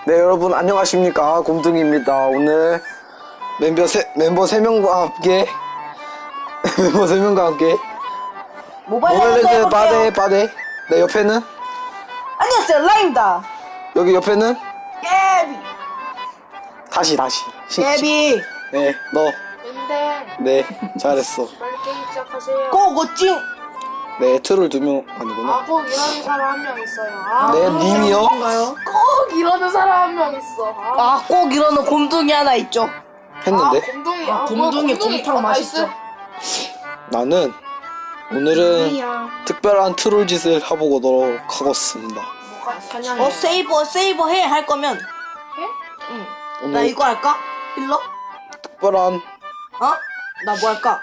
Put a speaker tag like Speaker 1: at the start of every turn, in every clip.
Speaker 1: 네, 여러분 안녕하십니까, 곰둥이입니다. 오늘 멤버 3명과 함께 멤버 3명과 함께
Speaker 2: 모바일
Speaker 1: 레전드
Speaker 2: 해볼게요.
Speaker 1: 빠데. 네, 옆에는
Speaker 2: 안녕하세요, 라입니다.
Speaker 1: 여기 옆에는
Speaker 2: 깨비.
Speaker 1: 다시
Speaker 2: 깨비.
Speaker 1: 네, 너.
Speaker 3: 근데
Speaker 1: 네, 잘했어.
Speaker 3: 빨리 게임 시작하세요.
Speaker 2: 고고찡.
Speaker 1: 네, 트롤 2명 아니구나.
Speaker 3: 꼭 이러는 사람 한 명 있어요.
Speaker 1: 네, 님이요?
Speaker 3: 꼭 이러는 사람 한 명 있어.
Speaker 2: 꼭 이러는 곰둥이 하나 있죠.
Speaker 1: 했는데
Speaker 3: 곰둥이.
Speaker 4: 곰둥이 곰탕 맛있죠.
Speaker 1: 나는 오늘은 특별한 트롤 짓을 해보도록 하겠습니다.
Speaker 3: 사냥해.
Speaker 2: 세이버 해 할 거면.
Speaker 3: 해?
Speaker 2: 응. 나
Speaker 1: 오늘
Speaker 2: 이거 할까? 힐러?
Speaker 1: 특별한
Speaker 2: 나 뭐 할까?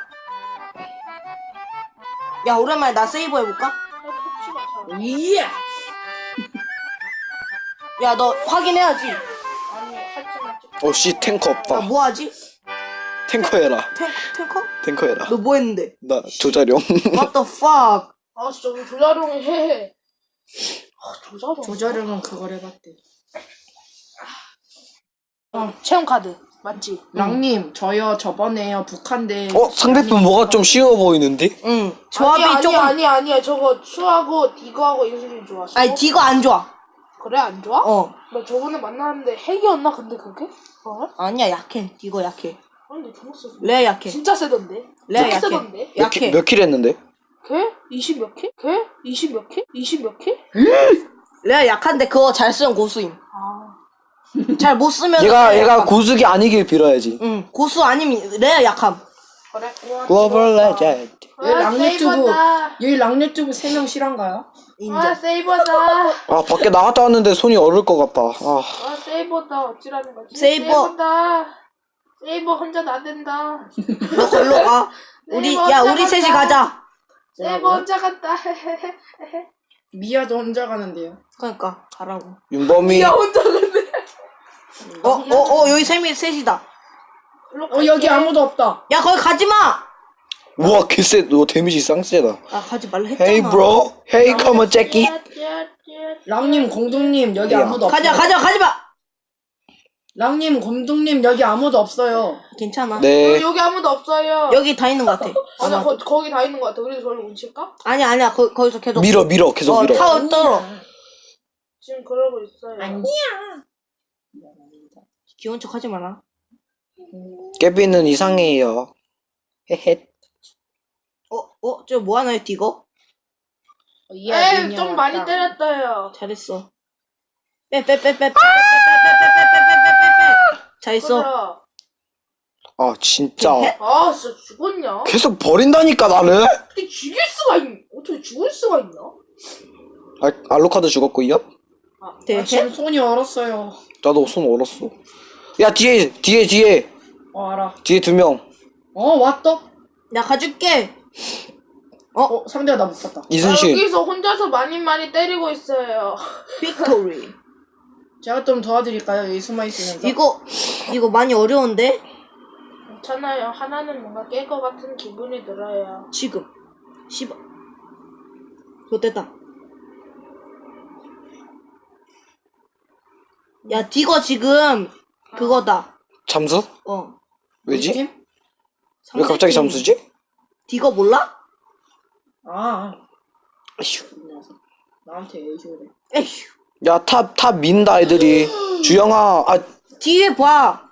Speaker 2: 야, 오랜만에 나 세이버 해볼까?
Speaker 4: 이야.
Speaker 2: 야, 너 확인해야지.
Speaker 3: 아니 하지마.
Speaker 1: 어씨 탱커
Speaker 2: 나
Speaker 1: 없다.
Speaker 2: 뭐 하지?
Speaker 1: 탱커 해라.
Speaker 2: 탱커?
Speaker 1: 탱커 해라.
Speaker 2: 너 뭐 했는데?
Speaker 1: 나 조자룡.
Speaker 2: What the fuck?
Speaker 3: 아 진짜 우리 조자룡이 해. 조자룡.
Speaker 4: 조자룡은 그걸 해봤대.
Speaker 3: 체험 카드 맞지?
Speaker 4: 랑님, 저요 저번에요 북한대.
Speaker 1: 상대편 뭐가 좀 쉬워 보이는데?
Speaker 2: 응. 조합이
Speaker 3: 아니야,
Speaker 2: 조금.
Speaker 3: 아니야. 저거 추하고 디거하고 인수이 좋았어.
Speaker 2: 아니, 디거 안 좋아.
Speaker 3: 그래 안 좋아?
Speaker 2: 나
Speaker 3: 저번에 만났는데 핵이었나 근데 그게?
Speaker 2: 아니야, 약해. 디거 약해.
Speaker 3: 근데 좋았어.
Speaker 2: 레아 약해.
Speaker 3: 진짜 세던데?
Speaker 2: 레아
Speaker 3: 되게
Speaker 2: 약해.
Speaker 3: 세던데?
Speaker 2: 약해.
Speaker 1: 몇 킬 했는데?
Speaker 3: 걔? 20 몇 킬? 걔? 20 몇 킬? 20 몇 킬?
Speaker 2: 레아 약한데 그거 잘 쓰면 고수임.
Speaker 3: 아.
Speaker 2: 잘 못 쓰면.
Speaker 1: 얘가 고수기 아니길 빌어야지.
Speaker 2: 응. 고수 아니면 레아 약함.
Speaker 3: 그래?
Speaker 1: 글로벌 레전드.
Speaker 4: 여기 랑유튜브
Speaker 3: 세이버다.
Speaker 4: 여기 랑유튜브 3명 실한가요?
Speaker 2: 인정.
Speaker 3: 세이버다.
Speaker 1: 아, 밖에 나갔다 왔는데 손이 얼을 것 같다.
Speaker 3: 세이버다. 어찌라는 거지?
Speaker 2: 세이버.
Speaker 3: 세이버다. 세이버 혼자는 안 된다.
Speaker 2: 너 걸로 가. 우리 셋이 가자.
Speaker 3: 세이버 혼자 간다.
Speaker 4: 미아도 혼자 가는데요.
Speaker 2: 그러니까 가라고.
Speaker 1: 윤범이.
Speaker 3: 야 혼자 간대.
Speaker 2: 여기 셋이다.
Speaker 4: 여기 아무도 없다.
Speaker 2: 야, 거기 가지 마.
Speaker 1: 우와, 개쎄. 너 데미지 쌍세다.
Speaker 2: 아, 가지 말라 했잖아.
Speaker 1: Hey bro. Hey come on Jackie.
Speaker 4: 랑님, 공둥님 여기 아무도 없어요.
Speaker 2: 가지 마.
Speaker 4: 랑님, 공둥님 여기 아무도 없어요.
Speaker 2: 괜찮아.
Speaker 1: 네.
Speaker 3: 여기 아무도 없어요.
Speaker 2: 여기 다 있는 것 같아.
Speaker 3: 아니야 거기 다 있는 것 같아. 우리도 저를 훔칠까?
Speaker 2: 아니야. 거기서 계속.
Speaker 1: 밀어. 계속 밀어.
Speaker 2: 타워 떨어.
Speaker 3: 지금 그러고 있어요.
Speaker 2: 귀여운 척 하지 마라.
Speaker 1: 깨비는 이상해요. 헤헤.
Speaker 2: 저 뭐 하나요, 디거?
Speaker 3: 에이 좀 많이 때렸어요.
Speaker 2: 잘했어. 빼. 잘했어.
Speaker 1: 아, 진짜.
Speaker 3: 아 진짜 죽었냐?
Speaker 1: 계속 버린다니까, 나를.
Speaker 3: 어떻게 죽일 수가 어떻게 죽을 수가 있나?
Speaker 1: 알로카도 죽었고요.
Speaker 4: 지금 손이 얼었어요.
Speaker 1: 나도 손 얼었어. 야, 뒤에.
Speaker 4: 알아.
Speaker 1: 뒤에 2명.
Speaker 4: 왔다.
Speaker 2: 나 가줄게.
Speaker 4: 상대가 나 못 봤다.
Speaker 1: 이순신.
Speaker 3: 여기서 혼자서 많이 때리고 있어요.
Speaker 2: 빅토리.
Speaker 4: 제가 좀 도와드릴까요? 여기 숨어 있으면서.
Speaker 2: 이거 많이 어려운데?
Speaker 3: 괜찮아요. 하나는 뭔가 깰 것 같은 기분이 들어요.
Speaker 2: 지금. 씨발. 좋됐다. 야, 디거 지금 그거다.
Speaker 1: 잠수? 왜지?
Speaker 4: 팀?
Speaker 1: 왜 갑자기 잠수지?
Speaker 2: 디거 몰라?
Speaker 1: 아휴.
Speaker 4: 나한테 애교래.
Speaker 2: 에휴.
Speaker 1: 야, 탑 민다, 애들이. 주영아,
Speaker 2: 뒤에 봐.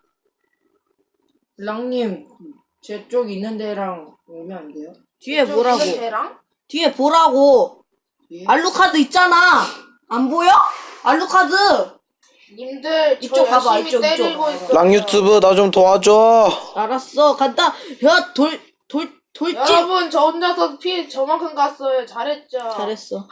Speaker 4: 랑님, 제 쪽 있는 데랑 오면 안 돼요?
Speaker 2: 뒤에 보라고.
Speaker 3: 걔랑?
Speaker 2: 뒤에 보라고.
Speaker 4: 예?
Speaker 2: 알루카드 있잖아. 안 보여? 알루카드.
Speaker 3: 님들 저
Speaker 2: 이쪽 가봐,
Speaker 3: 열심히
Speaker 2: 이쪽.
Speaker 3: 때리고 있어요.
Speaker 1: 랑 유튜브 나 좀 도와줘.
Speaker 2: 알았어. 간다. 야, 돌진.
Speaker 3: 여러분 저 혼자서 피 저만큼 갔어요. 잘했죠?
Speaker 2: 잘했어.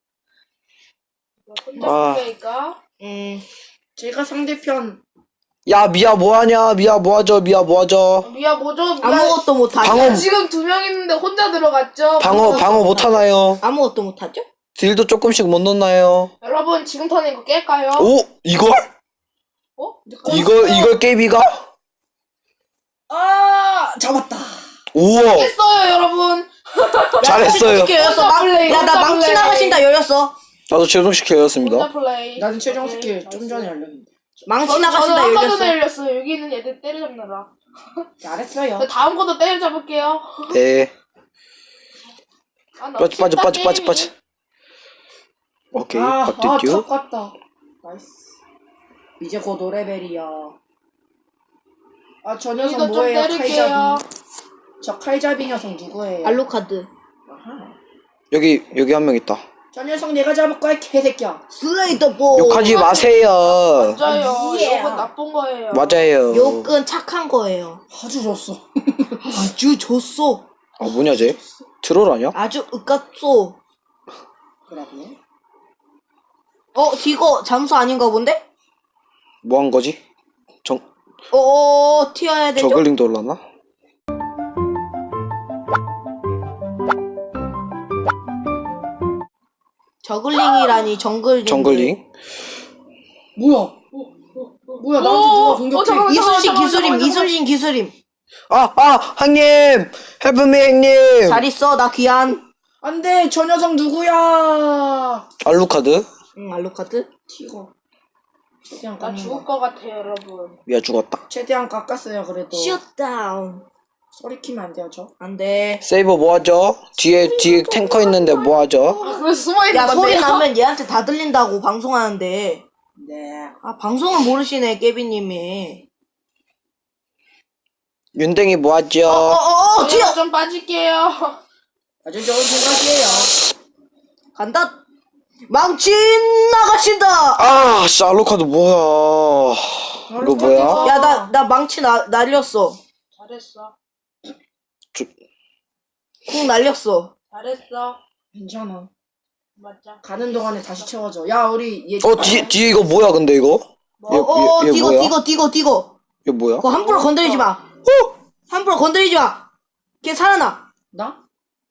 Speaker 3: 혼자 플레이까?
Speaker 4: 제가 상대편
Speaker 1: 야, 미아 뭐하냐? 미아 뭐하죠?
Speaker 3: 미아 뭐죠? 미아
Speaker 2: 아무것도 못하죠.
Speaker 1: 방어.
Speaker 3: 지금 2명 있는데 혼자 들어갔죠?
Speaker 1: 방어 못하나요?
Speaker 2: 아무것도 못하죠?
Speaker 1: 딜도 조금씩 못 넣나요?
Speaker 3: 여러분 지금 턴에 이거 깰까요?
Speaker 1: 오? 이걸? 이걸 깨비가?
Speaker 4: 잡았다.
Speaker 1: 우와.
Speaker 3: 깼어요 여러분.
Speaker 1: 잘했어요.
Speaker 2: 나 망치 나가신다 열렸어.
Speaker 1: 나도 최종시켜였습니다.
Speaker 3: 혼자 플레이.
Speaker 4: 나는 최종 스킬 좀 전에 알렸는데.
Speaker 2: 망치
Speaker 3: 저는
Speaker 2: 나가신다
Speaker 3: 아까 전에
Speaker 2: 열렸어.
Speaker 3: 열렸어요. 여기 있는 애들 때려잡느라.
Speaker 4: 잘했어요.
Speaker 3: 저 다음 것도 때려잡을게요.
Speaker 1: 네.
Speaker 3: 아, 나
Speaker 1: 빠져 빠져
Speaker 3: 진짜
Speaker 1: 빠져 빠져
Speaker 3: 게임이-
Speaker 1: 빠져. 오케이.
Speaker 4: 탑
Speaker 1: 빡듀듀.
Speaker 4: 갔다. 나이스. 이제 곧 5레벨이야. 아, 저 녀석
Speaker 3: 여기도 좀
Speaker 4: 뭐예요?
Speaker 3: 때릴게요.
Speaker 4: 칼잡이. 저 칼잡이 녀석 누구예요?
Speaker 2: 알로카드.
Speaker 4: 아하.
Speaker 1: 여기 한 명 있다.
Speaker 4: 저 녀석 내가 잡을 거야, 개새끼야.
Speaker 2: 슬레이더 볼.
Speaker 1: 욕하지 마세요.
Speaker 3: 맞아요.
Speaker 4: 예.
Speaker 3: 이건 나쁜 거예요.
Speaker 1: 맞아요.
Speaker 2: 욕은 착한 거예요.
Speaker 4: 아주 좋았어.
Speaker 2: 아주 좋소.
Speaker 1: 아 뭐냐 쟤? 트롤 아니야?
Speaker 2: 아주 으깝소.
Speaker 4: 그러고요.
Speaker 2: 디거 잠수 아닌가 본데?
Speaker 1: 뭐 한 거지?
Speaker 2: 튀어야 되죠?
Speaker 1: 저글링도 올라나?
Speaker 2: 저글링이라니 정글링.
Speaker 1: 정글링.
Speaker 4: 뭐야? 뭐야, 나한테 누가 공격해?
Speaker 3: 잠깐만,
Speaker 2: 이순신
Speaker 3: 잠깐만,
Speaker 2: 기술임.
Speaker 3: 잠깐만.
Speaker 2: 이순신 기술임.
Speaker 1: 형님! 헬프미 형님!
Speaker 2: 잘 있어. 나 귀한.
Speaker 4: 안 돼, 저 녀석 누구야?
Speaker 1: 알루카드?
Speaker 2: 응, 알로카드.
Speaker 4: 튀고. 최대한
Speaker 3: 나
Speaker 4: 깎는
Speaker 3: 죽을
Speaker 4: 거.
Speaker 3: 것 같아요, 여러분.
Speaker 1: 야 죽었다.
Speaker 4: 최대한 깎았어요, 그래도.
Speaker 2: 셧다운.
Speaker 4: 소리 키면 안 돼요, 저?
Speaker 2: 안 돼.
Speaker 1: 세이버 뭐하죠? 뒤에 탱커 있는데 뭐하죠?
Speaker 3: 왜 숨어있는
Speaker 2: 야,
Speaker 3: 건데요?
Speaker 2: 소리 나면 얘한테 다 들린다고 방송하는데.
Speaker 4: 네.
Speaker 2: 아, 방송을 모르시네, 깨비님이.
Speaker 1: 윤댕이 뭐하죠?
Speaker 3: 튀어!
Speaker 2: 튀어!
Speaker 3: 좀 빠질게요.
Speaker 4: 아주 좋은 생각이에요.
Speaker 2: 간다. 망치 나가신다.
Speaker 1: 아, 씨, 알루카드 뭐야? 이거 뭐야?
Speaker 2: 야, 나 망치 날렸어.
Speaker 3: 잘했어.
Speaker 2: 쿵 날렸어.
Speaker 3: 잘했어.
Speaker 4: 괜찮아.
Speaker 3: 맞자.
Speaker 4: 가는 동안에 다시 채워줘. 야, 우리 얘.
Speaker 1: 뒤에 이거 뭐야, 근데 이거? 얘
Speaker 2: 디거,
Speaker 1: 뭐야?
Speaker 2: 디거.
Speaker 1: 이거 뭐야?
Speaker 2: 그거 함부로 건드리지 마. 함부로 건드리지 마. 걔 살아나.
Speaker 4: 나?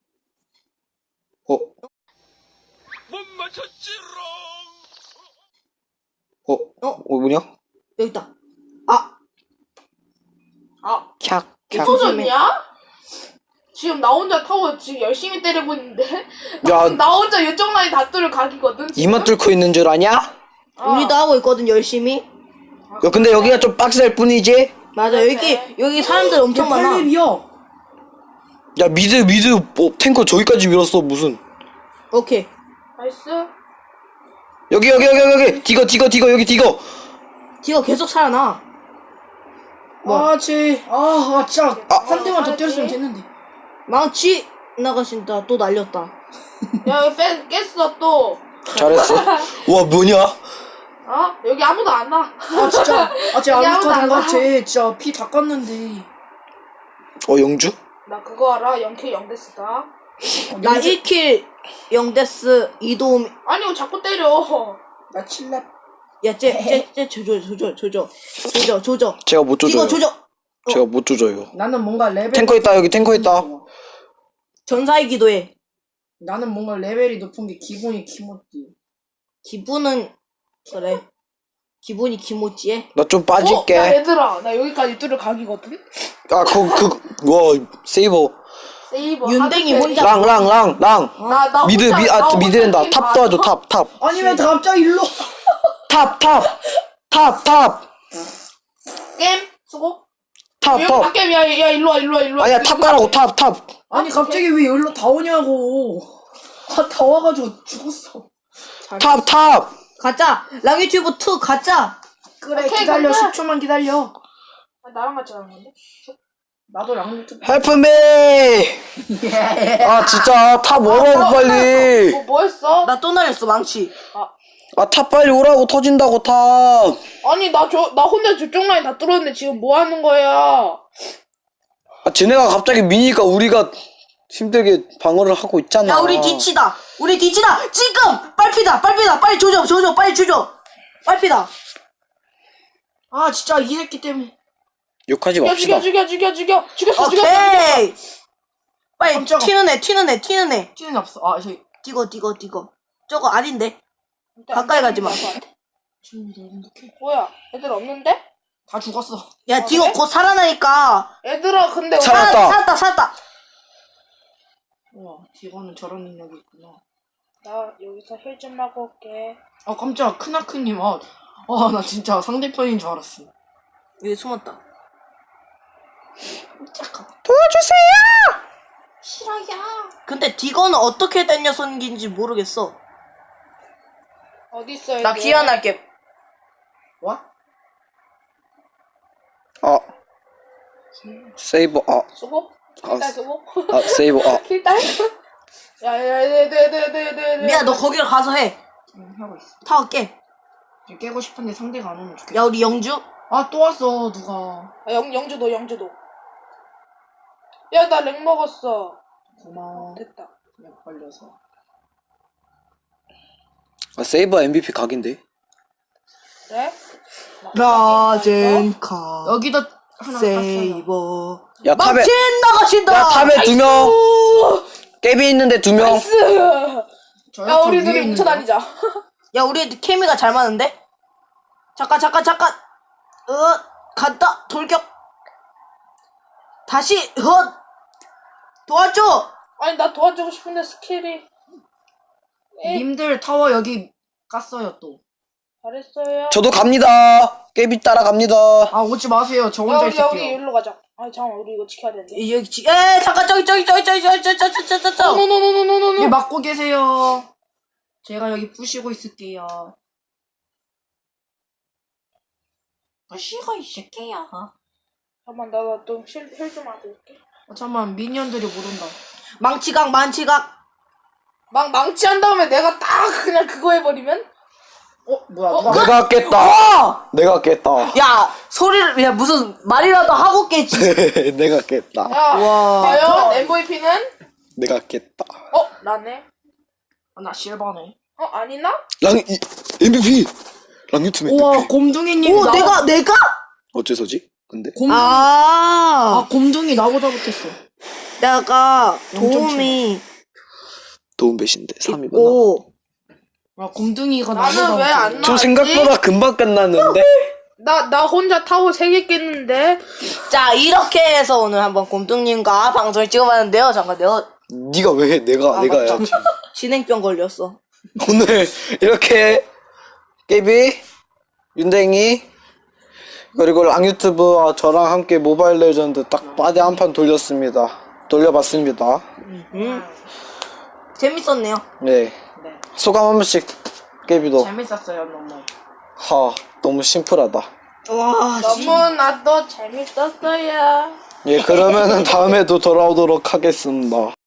Speaker 1: 뭐냐?
Speaker 2: 여기 있다. 아,
Speaker 1: 캬, 캬.
Speaker 3: 터졌냐? 지금 나 혼자 타워 지금 열심히 때리고 있는데
Speaker 1: 야,
Speaker 3: 나 혼자 이쪽 라인 다 뚫을 각이거든 지금?
Speaker 1: 이만 뚫고 있는 줄 아냐?
Speaker 3: 어.
Speaker 2: 우리도 하고 있거든, 열심히.
Speaker 1: 야, 근데 여기가 좀 빡셀 뿐이지?
Speaker 2: 맞아, 여기 사람들 엄청
Speaker 4: 저
Speaker 2: 많아.
Speaker 4: 8렙이야.
Speaker 1: 야, 미드, 탱커 저기까지 밀었어, 무슨.
Speaker 2: 오케이.
Speaker 3: 나이스.
Speaker 1: 여기. 디거, 여기 디거.
Speaker 2: 디거 계속 살아나.
Speaker 4: 아, 진짜.
Speaker 1: 아.
Speaker 4: 한 대만 더 때렸으면 됐는데.
Speaker 2: 망치 나가신다. 또 날렸다.
Speaker 3: 야 여기 깼어 또.
Speaker 1: 잘했어. 와, 뭐냐?
Speaker 3: 어? 여기 아무도 안 와.
Speaker 4: 아, 진짜. 쟤
Speaker 3: 여기
Speaker 4: 아무것도
Speaker 3: 아무도
Speaker 4: 안
Speaker 3: 안
Speaker 4: 가.
Speaker 3: 와.
Speaker 4: 쟤 진짜 피 다 깠는데.
Speaker 1: 영주?
Speaker 3: 나 그거 알아? 0K 0데스다.
Speaker 2: 나 1킬 0데스 2도움.
Speaker 3: 아니 왜 자꾸 때려.
Speaker 4: 나 7렙.
Speaker 2: 야, 쟤 조져.
Speaker 1: 제가 못
Speaker 2: 디거
Speaker 1: 조져요.
Speaker 2: 조져.
Speaker 1: 제가 못 조져요.
Speaker 4: 나는 뭔가 레벨.
Speaker 1: 탱커 있다, 여기 탱커 있다.
Speaker 2: 전사의 기도해.
Speaker 4: 나는 뭔가 레벨이 높은 게 기분이 기모띠.
Speaker 2: 기분은 그래. 기분이 기모찌해.
Speaker 1: 나 좀
Speaker 3: 나
Speaker 1: 빠질게.
Speaker 3: 얘들아 나 여기까지 뚫을 각이거든.
Speaker 1: 와, 세이버.
Speaker 3: 세이버
Speaker 2: 윤댕이
Speaker 3: 하드
Speaker 2: 혼자-
Speaker 3: 캐리.
Speaker 1: 랑.
Speaker 3: 나
Speaker 1: 미드,
Speaker 3: 혼자- 나 혼자
Speaker 1: 미드랜다.
Speaker 3: 게임
Speaker 1: 탑
Speaker 3: 다
Speaker 1: 도와줘,
Speaker 3: 하죠.
Speaker 1: 탑.
Speaker 4: 아니, 왜 갑자기 일로.
Speaker 1: 탑.
Speaker 3: 게임 수고.
Speaker 1: 탑.
Speaker 3: 여기 게임 야 일로 와.
Speaker 1: 아니야, 탑 가라고, 탑.
Speaker 4: 아니, 갑자기 왜 여기로 다 오냐고. 다 와가지고 죽었어.
Speaker 1: 탑.
Speaker 2: 가자. 랑유튜브 2 가자.
Speaker 4: 그래,
Speaker 3: 오케이,
Speaker 4: 기다려.
Speaker 3: 간다.
Speaker 4: 10초만 기다려.
Speaker 3: 아, 나랑 같이 가는 건데?
Speaker 4: 나도 랑유튜브.
Speaker 1: 헬프미! 아, 진짜, 탑 오라고, 빨리.
Speaker 3: 뭐 했어?
Speaker 2: 나 또 날렸어, 망치.
Speaker 1: 아, 탑 빨리 오라고, 터진다고, 탑.
Speaker 3: 아니 나 혼자 저쪽 라인 다 뚫었는데 지금 뭐 하는 거야?
Speaker 1: 아, 쟤네가 갑자기 미니까 우리가 힘들게 방어를 하고 있잖아.
Speaker 2: 야, 우리 뒤치다. 지금! 빨피다. 빨리 조져. 빨리 조져. 빨피다.
Speaker 4: 아, 진짜 이 새끼 때문에.
Speaker 1: 욕하지
Speaker 3: 죽여
Speaker 1: 맙시다.
Speaker 3: 죽였어.
Speaker 2: 오케이. 빨리
Speaker 4: 깜짝아.
Speaker 2: 튀는 애.
Speaker 4: 찌는 없어. 아, 저기.
Speaker 2: 디거. 저거 아닌데. 가까이 가지 마.
Speaker 4: 지금이다, 이렇게.
Speaker 3: 뭐야? 애들 없는데?
Speaker 4: 다 죽었어.
Speaker 2: 야, 디거
Speaker 3: 그래?
Speaker 2: 곧 살아나니까.
Speaker 3: 얘들아 근데
Speaker 1: 살았다.
Speaker 2: 살았다.
Speaker 4: 우와, 디거는 저런 능력이 있구나.
Speaker 3: 나 여기서 힐 좀 하고 올게.
Speaker 4: 아, 깜짝 크나크님. 나 진짜 상대편인 줄 알았어.
Speaker 2: 여기 숨었다.
Speaker 4: 잠깐.
Speaker 1: 도와주세요!
Speaker 4: 싫어요.
Speaker 2: 근데 디거는 어떻게 된 녀석인지 모르겠어.
Speaker 3: 어디 있어요?
Speaker 2: 나 귀환할게.
Speaker 4: 와?
Speaker 1: 세이버,
Speaker 3: 수고?
Speaker 1: 아,
Speaker 3: 킬딸 수고?
Speaker 1: 세이버,
Speaker 3: 킬딸? 야야야 네.
Speaker 2: 미야 너 거기로 가서 해.
Speaker 4: 응, 하고 있어.
Speaker 2: 타워 깨.
Speaker 4: 지금 깨고 싶은데 상대가 안 오면 좋겠어.
Speaker 2: 야 우리 영주.
Speaker 4: 또 왔어, 누가.
Speaker 3: 영주도. 야 나 렉 먹었어.
Speaker 4: 고마워.
Speaker 3: 됐다.
Speaker 4: 그냥 걸려서.
Speaker 1: 세이버 MVP 각인데?
Speaker 3: 그래?
Speaker 2: 라젠카.
Speaker 4: 여기도 하나 깠어요.
Speaker 2: 세이버.
Speaker 1: 야, 탑에,
Speaker 2: 망친 나가신다.
Speaker 1: 야, 탑에 2명! 깨비 있는데 2명!
Speaker 3: 야 우리 둘이 뭉쳐다니자.
Speaker 2: 야 우리 케미가 잘 맞는데? 잠깐. 간다. 돌격. 다시. 도와줘.
Speaker 3: 아니 나 도와주고 싶은데 스킬이.
Speaker 4: 님들 타워 여기 깠어요, 또.
Speaker 3: 잘했어요.
Speaker 1: 저도 갑니다! 깨비 따라갑니다!
Speaker 4: 오지 마세요. 저
Speaker 3: 야
Speaker 4: 혼자
Speaker 3: 우리 여기
Speaker 4: 있을게요.
Speaker 3: 일로 가자. 아니 잠깐 우리 이거 지켜야 되는데.
Speaker 2: 잠깐 저기.
Speaker 3: 노노노노노노노.
Speaker 4: 얘 막고 계세요. 제가 여기 부시고 있을게요. 부시고 있을게요.
Speaker 3: 잠깐만 나좀힐좀 하고 올게.
Speaker 4: 잠깐만, 미니언들이 모른다.
Speaker 2: 망치각.
Speaker 3: 망치한 다음에 내가 딱 그냥 그거 해버리면?
Speaker 4: 뭐야,
Speaker 3: 어?
Speaker 4: 누가.
Speaker 1: 내가 깼다! 내가 깼다.
Speaker 2: 야 소리를 야 무슨 말이라도 하고 깨지.
Speaker 1: 내가 깼다.
Speaker 3: 야
Speaker 2: 와.
Speaker 3: 과연 MVP는?
Speaker 1: 내가 깼다.
Speaker 3: 나네.
Speaker 4: 나 실버네.
Speaker 3: 아니나?
Speaker 1: MVP! 랑유튜브 MVP.
Speaker 4: 우와, 곰둥이님.
Speaker 2: 오 내가?
Speaker 1: 어째서지? 근데?
Speaker 4: 곰둥이 나보다 못했어.
Speaker 2: 내가
Speaker 4: 영점
Speaker 2: 도움이
Speaker 1: 도움 배신데 3이구나.
Speaker 2: 있고.
Speaker 4: 곰둥이가
Speaker 3: 나는
Speaker 4: 나보다
Speaker 3: 왜 안
Speaker 4: 못했어.
Speaker 1: 저
Speaker 3: 나왔지?
Speaker 1: 생각보다 금방 끝났는데?
Speaker 3: 나 혼자 타워 3개 깼는데.
Speaker 2: 자 이렇게 해서 오늘 한번 곰뚱님과 방송을 찍어봤는데요. 잠깐 내가
Speaker 1: 네가 왜 해? 내가
Speaker 2: 맞다.
Speaker 1: 해야지.
Speaker 2: 진행병 걸렸어.
Speaker 1: 오늘 이렇게 깨비, 윤댕이, 그리고 랑유튜브와 저랑 함께 모바일 레전드 딱 빠데 한 판 돌려봤습니다.
Speaker 2: 재밌었네요.
Speaker 1: 네.
Speaker 4: 네.
Speaker 1: 소감 한 번씩 깨비도.
Speaker 4: 재밌었어요, 너무.
Speaker 1: 너무 심플하다.
Speaker 2: 와
Speaker 3: 너무나도 재밌었어요.
Speaker 1: 예, 그러면은 다음에도 돌아오도록 하겠습니다.